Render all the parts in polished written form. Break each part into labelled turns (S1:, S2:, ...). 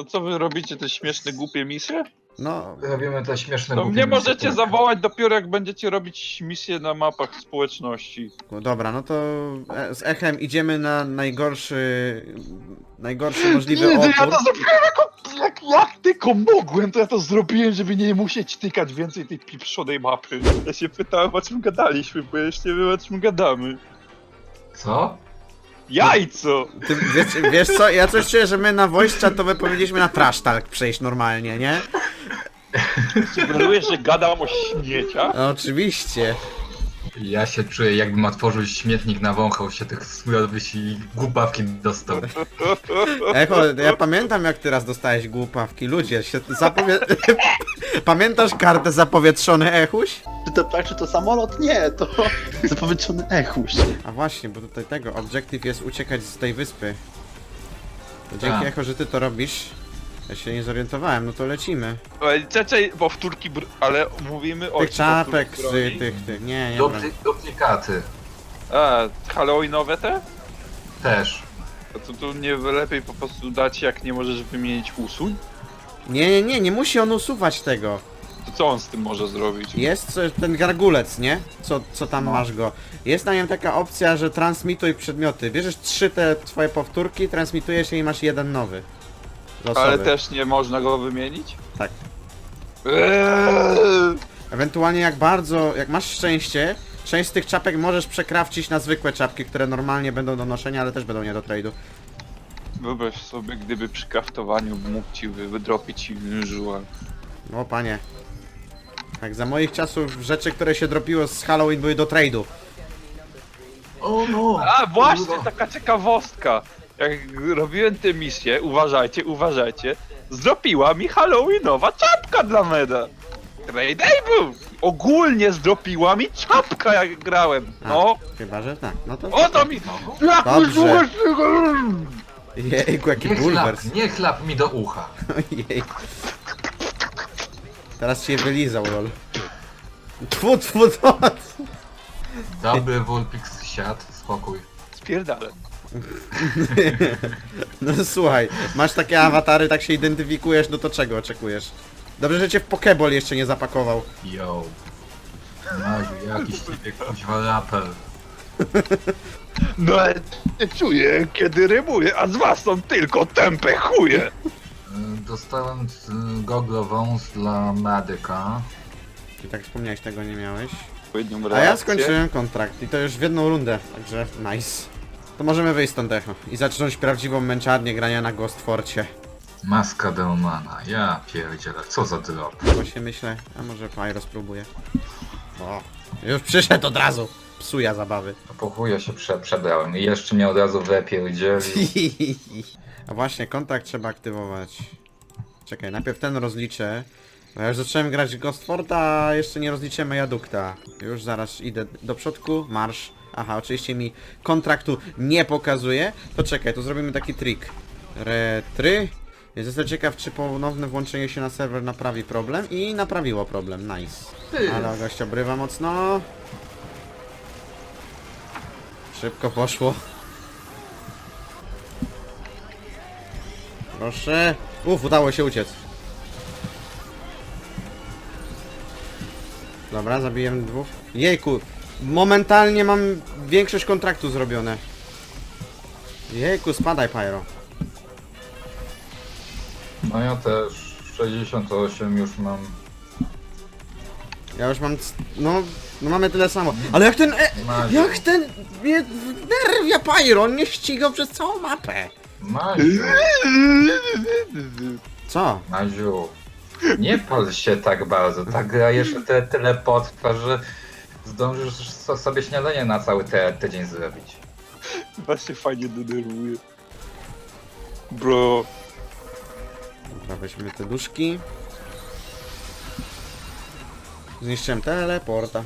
S1: co wy robicie, te śmieszne, głupie misje?
S2: No,
S3: Robimy te śmieszne
S1: To
S3: głupie
S1: mnie
S3: misje,
S1: możecie
S3: tak.
S1: zawołać dopiero jak będziecie robić misje na mapach społeczności.
S2: dobra, no to z echem idziemy na najgorszy możliwy
S1: Nie, to ja
S2: opór.
S1: to zrobiłem jak tylko mogłem, to ja to zrobiłem, żeby nie musieć tykać więcej tej pieprzonej mapy. Ja się pytałem, o czym gadaliśmy, bo ja już nie wiem, o czym gadamy.
S3: Co?
S1: Jajco!
S2: Ty, wiesz co, ja coś czuję, że my na voice chatowe powinniśmy na trash talk przejść normalnie, nie?
S1: Sugerujesz, że gadam o śmieciach?
S2: No, oczywiście.
S3: Ja się czuję, jakbym otworzył śmietnik, nawąchał się tych smrodowych i głupawki dostał.
S2: Echo, ja pamiętam jak ty raz dostałeś głupawki, ludzie, się Pamiętasz kartę zapowietrzony Echuś?
S4: Czy to tak, czy to samolot? Nie, to zapowietrzony echuś.
S2: A właśnie, bo tutaj tego, objective jest uciekać z tej wyspy. To dzięki
S3: Tak.
S2: Echo, że ty to robisz. Ja się nie zorientowałem, no to lecimy.
S1: Czekaj, powtórki, ale mówimy o
S2: Tych czapek,
S1: powtórki broni?
S2: tych, nie, broń.
S3: Duplikaty.
S1: A, halloweenowe te?
S3: Też.
S1: A to nie lepiej po prostu dać, jak nie możesz wymienić usuń?
S2: Nie musi on usuwać tego.
S1: To co on z tym może zrobić?
S2: Jest ten gargulec, nie? Co tam
S3: No.
S2: masz go. Jest na nim taka opcja, że transmituj przedmioty. Bierzesz 3 te twoje powtórki, transmitujesz je i masz jeden nowy. Losowy.
S1: Ale też nie można go wymienić?
S2: Tak.
S1: Eee!
S2: Ewentualnie jak masz szczęście, część z tych czapek możesz przekrawcić na zwykłe czapki, które normalnie będą do noszenia, ale też będą nie do trade'u.
S1: Wyobraź sobie, gdyby przy kraftowaniu mógł ci wydropić żuła.
S2: O panie. Tak, za moich czasów rzeczy, które się dropiło z Halloween były do trade'u.
S3: O no!
S1: A właśnie, taka ciekawostka. Jak robiłem tę misję, uważajcie, zdropiła mi halloweenowa czapka dla meda. Trade'able! Ogólnie zdropiła mi czapka jak grałem.
S2: A,
S1: No,
S2: chyba, że tak. No to...
S1: o to mi...
S2: Dobrze. Jejku, jaki
S3: Nie
S2: bulwers.
S3: chlap, nie chlap mi do ucha.
S2: Ojej. Teraz się wylizał, lol. Tfu, tfu, tfu.
S3: Dobry Vulpix siad, spokój.
S1: Spierdalę.
S2: No słuchaj, masz takie awatary, tak się identyfikujesz, no to czego oczekujesz? Dobrze, że cię w Pokeball jeszcze nie zapakował.
S3: Yo. Maziu, jakiś ciebie kuźwa raper.
S1: No ale nie czuję, kiedy rymuję, a z was są tylko tępe chuje.
S3: Dostałem goglową dla medyka.
S2: I tak wspomniałeś, tego nie miałeś.
S1: Odpowiednią
S2: A ja
S1: reakcję.
S2: skończyłem kontrakt i to już w jedną rundę, także nice. To możemy wyjść stąd Echo i zacząć prawdziwą męczarnię grania na Ghost Forcie.
S3: Maska Delmana, ja pierdzielę, co za drop.
S2: Bo się myślę, a może Pyro spróbuję. O, już przyszedł od razu. Psuja zabawy.
S3: Po chuja się przebrałem i jeszcze mnie od razu wypierdzielił.
S2: A właśnie, kontrakt trzeba aktywować. Czekaj, najpierw ten rozliczę. Bo ja już zacząłem grać w Ghost Forta, a jeszcze nie rozliczymy Jadukta. Już zaraz idę do przodku, marsz. Aha, oczywiście mi kontraktu nie pokazuje. To czekaj, to zrobimy taki trik. Retry. Jestem ciekaw, czy ponowne włączenie się na serwer naprawi problem. I naprawiło problem, nice. Ale gość obrywa mocno. Szybko poszło. Proszę. Udało się uciec. Dobra, zabiłem 2. Jejku, momentalnie mam większość kontraktu zrobione. Jejku, spadaj Pyro.
S3: No ja też 68 już mam.
S2: Ja już mam... No mamy tyle samo. Ale jak ten...
S3: Maziu,
S2: Jak ten... Mnie nerwia Pyro, on mnie ścigał przez całą mapę.
S3: Maziu,
S2: Co?
S3: Maziu. Nie pal się tak bardzo, ta gra jeszcze tyle potrwa, że zdążysz sobie śniadanie na cały tydzień zrobić.
S1: Właśnie fajnie denerwuje. Bro.
S2: Dobra, weźmy te duszki. Zniszczyłem teleporta.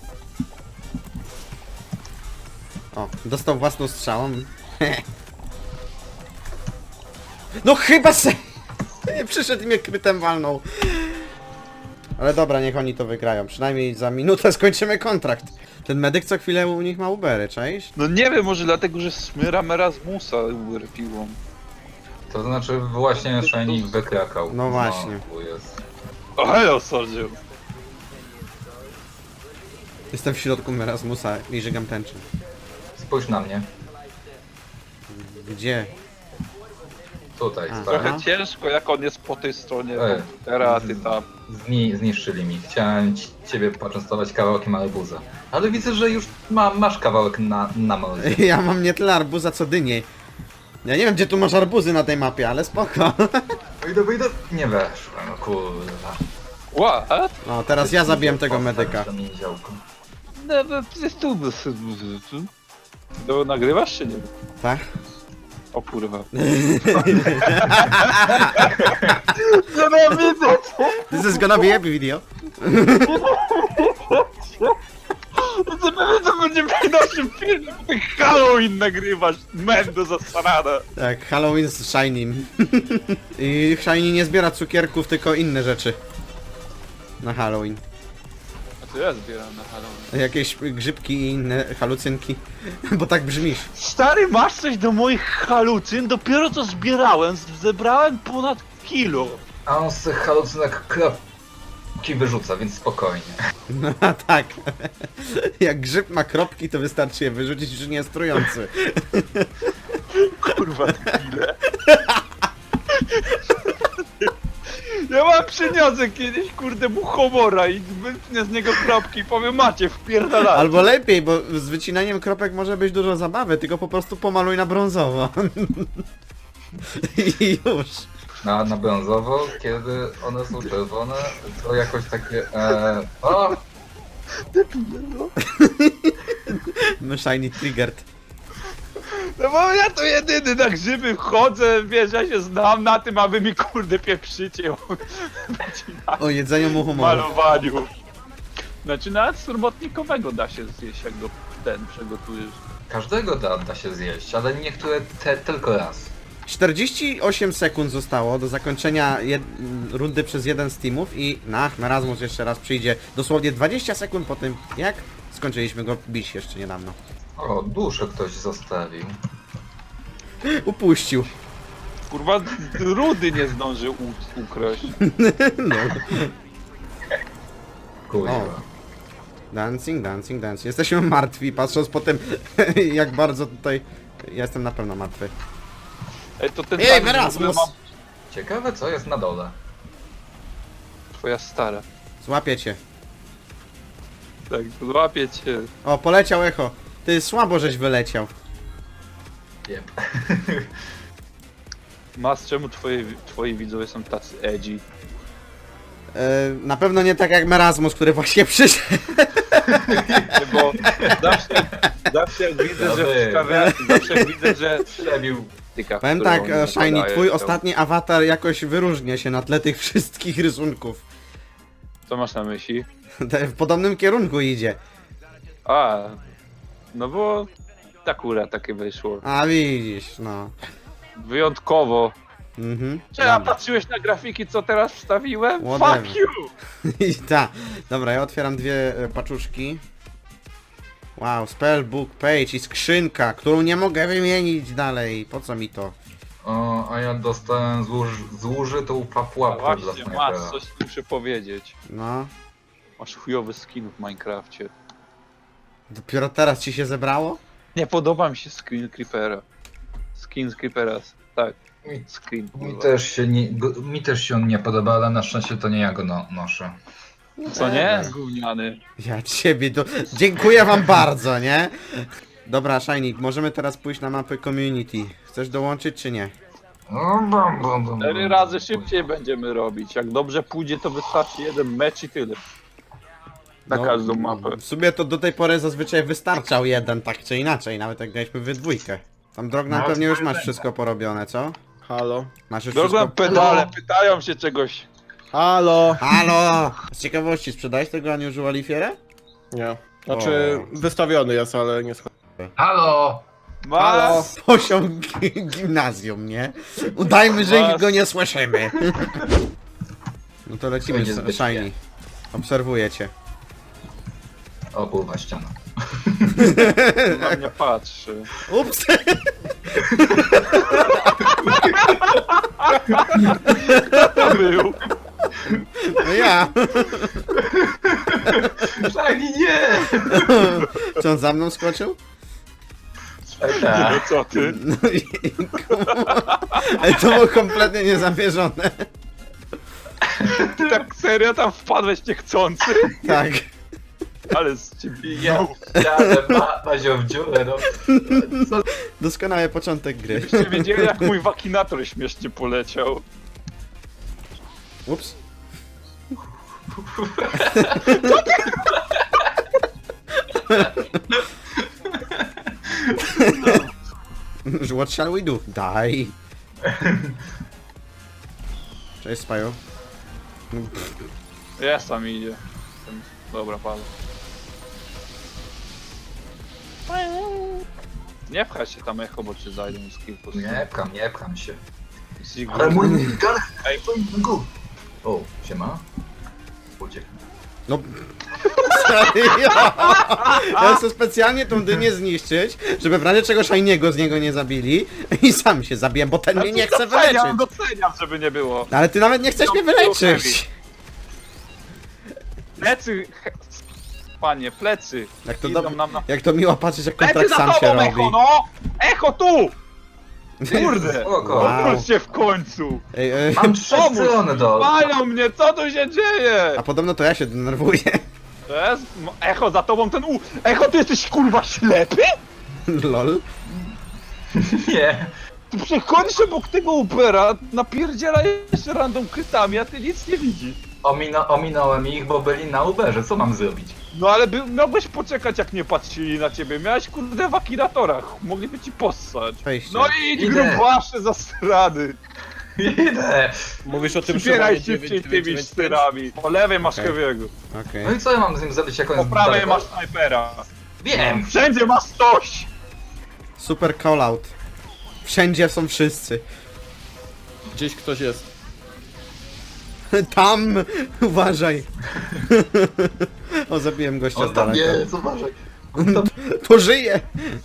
S2: O, dostał własną strzałą. No chyba se... Przyszedł i mnie krytem walnął. Ale dobra, niech oni to wygrają. Przynajmniej za minutę skończymy kontrakt. Ten medyk co chwilę u nich ma Ubery, czaisz?
S1: No nie wiem, może dlatego, że smyram Erasmusa Uber piłą.
S3: To znaczy właśnie Shiny wykrakał.
S2: No właśnie.
S3: Tu jest.
S1: O, hello, soldier.
S2: Jestem w środku Merasmusa i żygam tęczę.
S3: Spójrz na mnie.
S2: Gdzie?
S3: Tutaj,
S2: A.
S3: stary.
S1: Trochę ciężko, jak on jest po tej stronie
S3: Ej.
S1: komputera, a ty tam.
S3: Zniszczyli mi. Chciałem ciebie poczęstować kawałkiem arbuza. Ale widzę, że już masz kawałek na mordzie.
S2: Ja mam nie tyle arbuza co dynie. Ja nie wiem gdzie tu masz arbuzy na tej mapie, ale spoko.
S3: Wyjdę. Nie weszłem, no kurwa.
S1: What?
S2: No teraz ja zabiłem tego medyka.
S3: To mi działko.
S1: No, jest tu. To nagrywasz czy nie?
S2: Tak?
S1: O kurwa. Nienawidzę cię!
S2: This is gonna be happy video.
S1: To będzie w naszym filmie, bo ty Halloween nagrywasz, mendo zasrana.
S2: Tak, Halloween z Shiny. I Shiny nie zbiera cukierków, tylko inne rzeczy. Na Halloween.
S1: A to ja zbieram na Halloween.
S2: Jakieś grzybki i inne halucynki. Bo tak brzmisz.
S1: Stary, masz coś do moich halucyn? Dopiero co zbierałem, zebrałem ponad kilo.
S3: A on z tych halucynek kropki wyrzuca, więc spokojnie.
S2: No tak. Jak grzyb ma kropki, to wystarczy je wyrzucić, już nie jest trujący.
S1: Kurwa, ile? Ja mam przyniosę kiedyś, kurde, mu homora i wytnę z niego kropki i powiem, macie, wpierdalać.
S2: Albo lepiej, bo z wycinaniem kropek może być dużo zabawy, tylko po prostu pomaluj na brązowo. I już.
S3: Na brązowo, kiedy one są czerwone, to jakoś takie... o!
S2: No Shiny triggered.
S1: No bo ja to jedyny na grzyby chodzę, wiesz, ja się znam na tym, a wy mi, kurde, pieprzycie o
S2: O jedzeniu mu humoru.
S1: malowaniu. Znaczy, nawet surmotnikowego da się zjeść, jak go ten przegotujesz.
S3: Każdego da się zjeść, ale niektóre tylko raz.
S2: 48 sekund zostało do zakończenia rundy przez jeden z teamów i Merasmus jeszcze raz przyjdzie dosłownie 20 sekund po tym, jak skończyliśmy go bić jeszcze niedawno.
S3: O, duszę ktoś zostawił.
S2: Upuścił.
S1: Kurwa, rudy nie zdążył ukraść.
S2: No.
S3: Kurwa.
S2: O. Dancing. Jesteśmy martwi, patrząc po tym, jak bardzo tutaj... Ja jestem na pewno martwy.
S1: Ej, to ten
S2: Ej,
S1: tak,
S2: Merasmus!
S1: mam
S3: Ciekawe co jest na dole.
S1: twoja stara.
S2: Złapię cię.
S1: Tak, złapię cię.
S2: O, poleciał echo. Ty słabo żeś wyleciał.
S3: Jep.
S1: Mas, czemu twoi widzowie są tacy edgy?
S2: Na pewno nie tak jak Merasmus, który właśnie przyszedł.
S1: Bo zawsze jak widzę, że zawsze jak widzę, że przebił tyka.
S2: Powiem tak, Shiny, twój ostatni awatar jakoś wyróżnia się na tle tych wszystkich rysunków.
S1: Co masz na myśli?
S2: W podobnym kierunku idzie.
S1: A, no bo akurat takie wyszło.
S2: A widzisz, no.
S1: Wyjątkowo.
S2: Mhm.
S1: Czy ja
S2: Dobra.
S1: patrzyłeś na grafiki, co teraz wstawiłem?
S2: Whatever.
S1: Fuck you!
S2: I ta. Dobra, ja otwieram dwie paczuszki. Wow, spellbook page i skrzynka, którą nie mogę wymienić dalej. Po co mi to?
S3: O, a ja dostałem zużytą pułapkę dla
S1: Właśnie,
S3: snajpera.
S1: masz, coś muszę powiedzieć.
S2: No.
S1: Masz chujowy skin w Minecrafcie.
S2: Dopiero teraz ci się zebrało?
S1: Nie podoba mi się skin Creepera. Skin z Creepera, tak.
S3: Mi-
S1: Screen.
S3: Mi też się on nie podoba, ale na szczęście to nie ja go noszę.
S1: Co nie? Gówniany.
S2: Ja ciebie do... Dziękuję wam bardzo, nie? Dobra, Shiny, możemy teraz pójść na mapę community. Chcesz dołączyć czy nie?
S1: 4 razy szybciej będziemy robić. Jak dobrze pójdzie, to wystarczy jeden mecz i tyle. Na
S2: No,
S1: każdą mapę.
S2: W sumie to do tej pory zazwyczaj wystarczał jeden, tak czy inaczej, nawet jak graliśmy we dwójkę. Tam Drogna
S3: No,
S2: pewnie już masz wszystko porobione, co?
S5: Halo?
S2: Masz już
S1: Drogą
S2: wszystko...
S1: pedale, pytają się czegoś.
S5: Halo?
S2: Halo! Z ciekawości, sprzedałeś tego unusual Lifierę?
S5: Nie. Znaczy, wystawiony jest, ale nie schodzę.
S3: Halo!
S1: Mas,
S2: Poziom gimnazjum, nie? Udajmy, że
S1: Was.
S2: go nie słyszymy. No to lecimy
S3: Będzie
S2: z
S3: zbyt
S2: Shiny. Obserwuję cię.
S3: O kurwa, ściana.
S1: na mnie patrzy.
S2: Ups!
S1: To był.
S2: No ja!
S3: Shiny, nie!
S2: Czy on za mną skoczył?
S3: Tak.
S1: No co ty?
S2: No i... Ale to było kompletnie niezamierzone.
S1: Ty tak serio tam wpadłeś niechcący?
S2: Tak.
S1: Ale z ciebie
S3: Ja jadę, Mazio w dziurę, no. Co?
S2: Doskonały początek gry.
S1: Byście wiedzieli jak mój wakinator śmiesznie poleciał.
S2: Ups. What shall we do? Die. Cześć, Spaju.
S1: Jest tam idzie. Dobra, padł. Nie pchaj się tam echo, bo cię zajdą z kilku.
S3: Nie pcham się.
S1: Ziggy.
S3: Ale mój gun...
S1: Ej,
S3: O, siema. Uciekł.
S2: No. Ja chcę specjalnie tą dynię zniszczyć, żeby w razie czego Shiniego z niego nie zabili i sam się zabiję, bo ten mnie nie chce wyleczyć.
S1: Doceniam, żeby nie było.
S2: No ale ty nawet nie chcesz mnie wyleczyć.
S1: Plecy! Panie, plecy!
S2: Jak to,
S1: Idą nam na...
S2: jak to miło patrzeć, jak
S1: Plecy
S2: kontrakt
S1: za
S2: sam się
S1: tobą,
S2: robi.
S1: Echo, no! Echo tu! Kurde!
S3: Spoko.
S2: Wow.
S1: Odwróć się w końcu!
S2: Ej,
S3: Mam 3
S1: Pomóż!
S3: strony do...
S1: Palią mnie, co tu się dzieje?
S2: a podobno to ja się denerwuję.
S1: To jest... Echo, za tobą ten Echo, ty jesteś kurwa ślepy?
S2: Lol.
S3: Nie.
S1: Tu przechodzisz obok tego Ubera, napierdziela jeszcze random krytami, a ty nic nie widzisz.
S3: Ominąłem ich, bo byli na Uberze, co mam zrobić?
S1: No ale miałbyś poczekać, jak nie patrzyli na ciebie. Miałeś kurde w akinatorach, mogliby ci possać.
S2: Wejście.
S1: No i idź
S3: Idę.
S1: grubasze za strady.
S3: Idę!
S5: Mówisz o tym
S1: Przybieraj
S5: Szymonie
S1: szybciej
S5: 995?
S1: tymi styrami. Po lewej masz
S2: Okej.
S1: Heavy'ego,
S2: Okej.
S3: No i co ja mam z nim zrobić, jak on
S1: po
S3: jest
S1: prawej
S3: daleko?
S1: masz snajpera.
S3: Wiem!
S1: Wszędzie masz coś!
S2: Super callout. Wszędzie są wszyscy.
S5: Gdzieś ktoś jest.
S2: Tam! Uważaj. O, zabiłem gościa z
S3: On tam
S2: daleka.
S3: jest, uważaj.
S2: To żyje!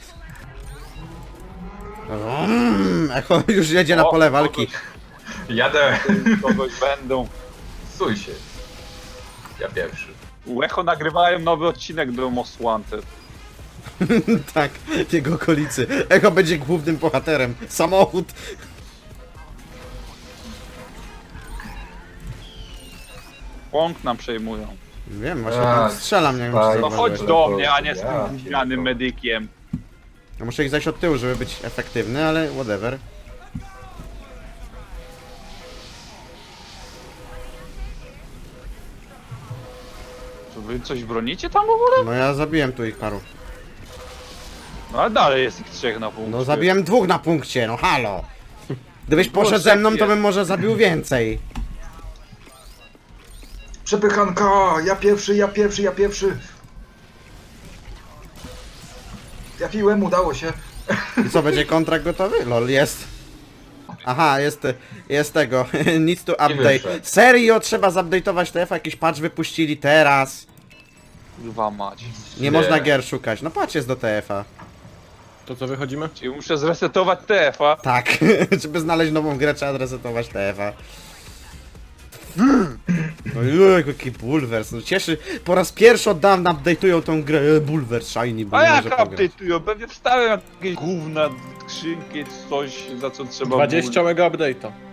S2: Echo już jedzie na
S1: O,
S2: pole walki.
S3: Jadę!
S1: Kogoś będą.
S3: Suj się. Ja pierwszy.
S1: U Echo nagrywają nowy odcinek do Most Wanted.
S2: Tak, w jego okolicy. Echo będzie głównym bohaterem. Samochód.
S1: Pąk nam przejmują.
S2: Wiem, właśnie
S3: Tak.
S2: tam strzelam, nie wiem czy
S3: Tak.
S1: No
S2: zauważyłeś.
S1: chodź do mnie, a nie z
S3: Ja
S1: tym gównianym
S3: pierdolę.
S1: medykiem.
S2: Ja muszę ich zajść od tyłu, żeby być efektywny, ale whatever.
S1: To wy coś bronicie tam w ogóle?
S2: No ja zabiłem tu ich paru.
S1: No ale dalej jest ich trzech na punkcie.
S2: No zabiłem dwóch na punkcie, no halo. Gdybyś poszedł ze mną, to bym może zabił więcej.
S3: Przepychanka! Ja pierwszy! Trafiłem, udało się.
S2: I co, będzie kontrakt gotowy? Lol, jest. Aha, jest tego. Needs to update.
S3: wyszedł.
S2: Serio, trzeba zupdate'ować TF, jakiś patch wypuścili teraz.
S1: Kurwa mać.
S2: Nie można gier szukać. No patrz, jest do TF-a.
S5: To co, wychodzimy?
S1: Czyli muszę zresetować TF-a.
S2: Tak, żeby znaleźć nową grę, trzeba resetować TF-a. No jaki bulwers, no cieszy. Po raz pierwszy od dawna update'ują tą grę. Bulwers, shiny, bo
S1: A
S2: nie
S1: jak
S2: może pograć.
S1: update'ują? Pewnie wstawiam jakieś gówna, skrzynki, coś za co trzeba
S5: 20 mega update'a.